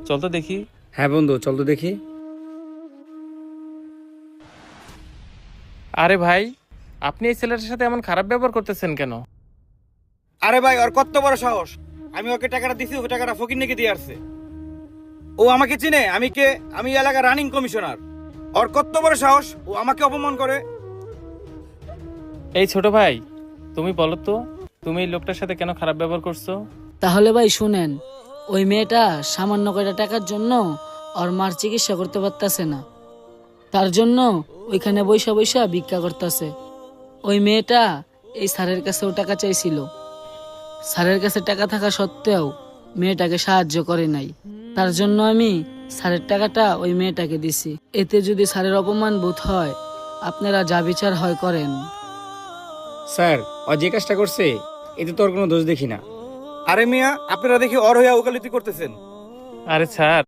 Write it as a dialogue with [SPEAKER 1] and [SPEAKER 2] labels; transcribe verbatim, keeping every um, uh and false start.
[SPEAKER 1] চল তো দেখি।
[SPEAKER 2] হ্যাঁ বন্ধু, চল তো দেখি।
[SPEAKER 1] আরে ভাই, আপনি এই ছেলেটার সাথে এমন খারাপ ব্যবহার করতেছেন কেন?
[SPEAKER 3] আরে ভাই, ওর কত বড় সাহস! আমি ওকে টাকাটা দিছি, ও টাকাটা ফকির নাকি দিয়ে আসছে। ও আমাকে চিনে, আমি কে? আমি এই এলাকার রানিং কমিশনার। ওর কত বড় সাহস, ও আমাকে অপমান করে!
[SPEAKER 1] এই ছোট ভাই, তুমি বলো তো, তুমি এই লোকটার সাথে কেন খারাপ ব্যবহার করছো?
[SPEAKER 4] তাহলে ভাই শুনেন, ওই মেয়েটা সামান্য কয়টা টাকার জন্য ওর মার চিকিৎসা করতে পারতাছে না, তার জন্য ওইখানে বৈশা বৈশা ভিক্ষা করতেছে। ওই মেয়েটা এই স্যারের কাছেও টাকা চাইছিল, স্যারের কাছে টাকা থাকা সত্ত্বেও মেয়েটাকে সাহায্য করে নাই। তার জন্য আমি স্যারের টাকাটা ওই মেয়েটাকে দিছি। এতে যদি স্যারের অপমান বোধ হয়, আপনারা যা বিচার হয় করেন।
[SPEAKER 2] স্যার, ও যে কাজটা করছে এতে তোর কোনো দোষ দেখি না।
[SPEAKER 3] আরে মিয়া, আপনারা দেখি ওর হইয়া ওকালতি করতেছেন।
[SPEAKER 1] আরে স্যার,